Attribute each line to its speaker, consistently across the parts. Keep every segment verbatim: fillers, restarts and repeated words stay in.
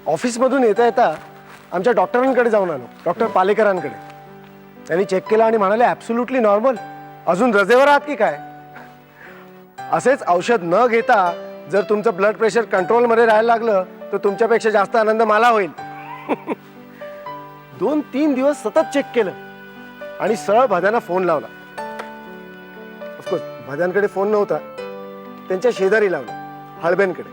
Speaker 1: ऑफिसमधून येता येता आमच्या डॉक्टरांकडे जाऊन आलो, डॉक्टर पालेकरांकडे. त्यांनी चेक केलं आणि म्हणाले ॲब्सोल्युटली नॉर्मल. अजून रजेवर आहात की काय? असेच औषध न घेता जर तुमचं ब्लड प्रेशर कंट्रोलमध्ये राहायला लागलं तर तुमच्यापेक्षा जास्त आनंद मला होईल. दोन तीन दिवस सतत चेक केलं आणि सरळ भद्यांना फोन लावला. ऑफकोर्स भद्यांकडे फोन नव्हता, त्यांच्या शेजारी लावला, हळबेंकडे.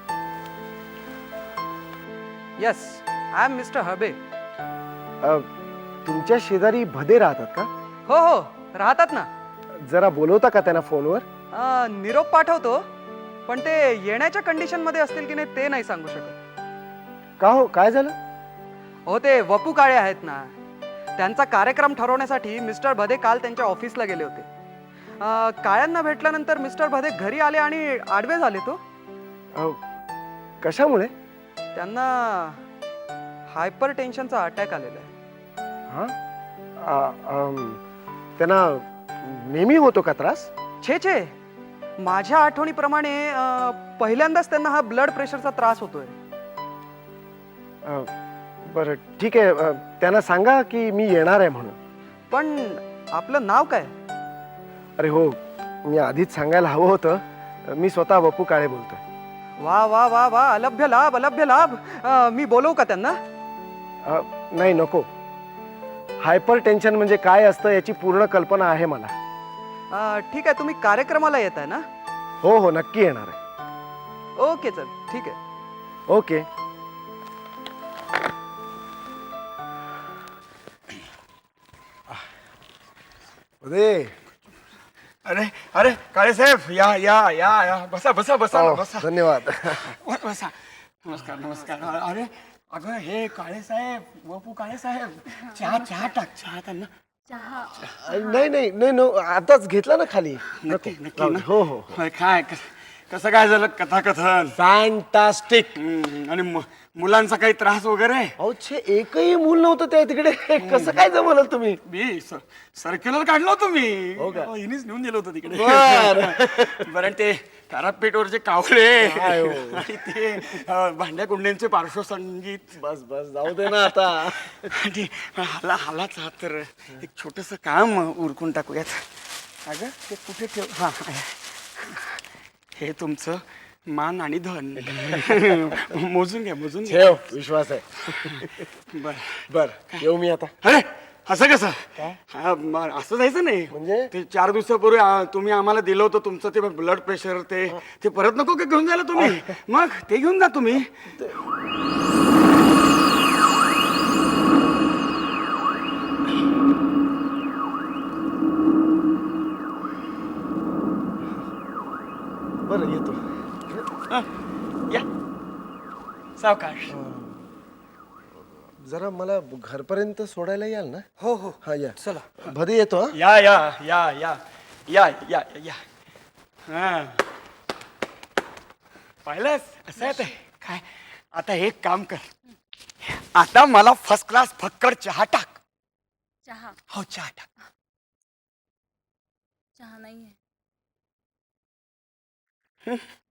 Speaker 2: Yes, I am mister Habe.
Speaker 1: तुमच्या शेजारी भदे राहतात का?
Speaker 2: हो हो, राहतात ना.
Speaker 1: जरा बोलवता का त्यांना फोनवर?
Speaker 2: अं, निरोप पाठवतो, पण ते येण्याच्या कंडिशन मध्ये असतील की नाही ते नाही सांगू शकत.
Speaker 1: का हो, काय झालं?
Speaker 2: हो, ते वपू काळे आहेत ना, त्यांचा कार्यक्रम ठरवण्यासाठी मिस्टर भदे काल त्यांच्या ऑफिसला गेले होते. अं, काळ्यांना भेटल्यानंतर मिस्टर भदे घरी आले आणि आडवे झाले. तो
Speaker 1: अहो, कशामुळे?
Speaker 2: त्यांना हायपर टेन्शनचा अटॅक आलेला आहे.
Speaker 1: हा? आ, अम, त्यांना नेहमी होतो का त्रास?
Speaker 2: छे छे, माझ्या आठवणीप्रमाणे अं, पहिल्यांदाच त्यांना हा ब्लड प्रेशरचा त्रास होतोय.
Speaker 1: अ, बरं ठीक आहे. अ, त्यांना सांगा की मी येणार आहे म्हणून.
Speaker 2: पण आपलं नाव काय?
Speaker 1: अरे हो, मी आधीच सांगायला हवं होतं. मी स्वतः वपू काळे बोलतोय.
Speaker 2: वा वा वा वा, अलभ्य लाभ, अलभ्य लाभ. अं, मी बोलवू का त्यांना?
Speaker 1: अ, नाही नको. हायपर टेन्शन म्हणजे काय असतं याची पूर्ण कल्पना आहे मला.
Speaker 2: अं, ठीक आहे, तुम्ही कार्यक्रमाला येत आहे ना?
Speaker 1: हो हो, नक्की येणार आहे.
Speaker 2: ओके चल, ठीक आहे.
Speaker 1: ओके. अरे
Speaker 3: अरे अरे काळे साहेब, या या या या बसा बसा बसा ना,
Speaker 1: हो,
Speaker 3: बसा.
Speaker 1: धन्यवाद.
Speaker 3: ब- बसा. नमस्कार नमस्कार. अरे अगं हे काळे साहेब, वपू काळे साहेब, चहा चहा टाक, चहा त्यांना.
Speaker 1: नाही नाही नाही नो, आताच घेतला ना खाली.
Speaker 3: नक्की
Speaker 1: नको.
Speaker 3: नक्की ना?
Speaker 1: हो हो.
Speaker 3: होय, काय कस- कसं काय झालं कथाकथन?
Speaker 1: फॅन्टास्टिक.
Speaker 3: हम्म, आणि मु- मुलांचा काही त्रास वगैरे?
Speaker 1: अहो छे, एकही मूल नव्हतं त्या तिकडे. कसं काय जमलं तुम्ही?
Speaker 3: मी सर्क्युलर काढलं होतं मी.
Speaker 1: हो का?
Speaker 3: हो, हिनीच नेऊन दिलं होतं तिकडे.
Speaker 1: बरं.
Speaker 3: बरं, ते तारापेठवरचे कावळे
Speaker 1: काय हो?
Speaker 3: आणि ते अं, भांड्या कुंड्यांचे पार्श्वसंगीत.
Speaker 1: बस बस, जाऊ दे ना आता.
Speaker 3: आणि हाला हालाच हा तर एक छोटस काम उरकून टाकूयात. अगं ते कुठे ठेव? हा, हे तुमचं मान आणि धन. मोजून घ्या, मोजून घ्या.
Speaker 1: ठेव, विश्वास आहे.
Speaker 3: बर
Speaker 1: बर, येऊ मी आता.
Speaker 3: अरे असं कसं? हा, म- असं जायचं नाही.
Speaker 1: म्हणजे?
Speaker 3: ते चार दिवसापूर्वी आ, तुम्ही आम्हाला दिलं होतं तुमचं ते ब्लड प्रेशर, ते ते परत नको का घेऊन जायला तुम्ही? मग ते घेऊन जा तुम्ही.
Speaker 1: बरं, येतो.
Speaker 3: हा, या सावकाश.
Speaker 1: जरा मला घरपर्यंत सोडायला याल ना?
Speaker 2: हो हो,
Speaker 1: हा, या.
Speaker 2: चला.
Speaker 1: भदे येतो. हा.
Speaker 3: या या या या या या या. हा, पाहिलंस असं आहे ते. काय आता एक काम कर, आता मला फर्स्ट क्लास फक्कड चहा टाक.
Speaker 4: चहा
Speaker 3: हो, चहा टाक.
Speaker 4: चहा नाहीये.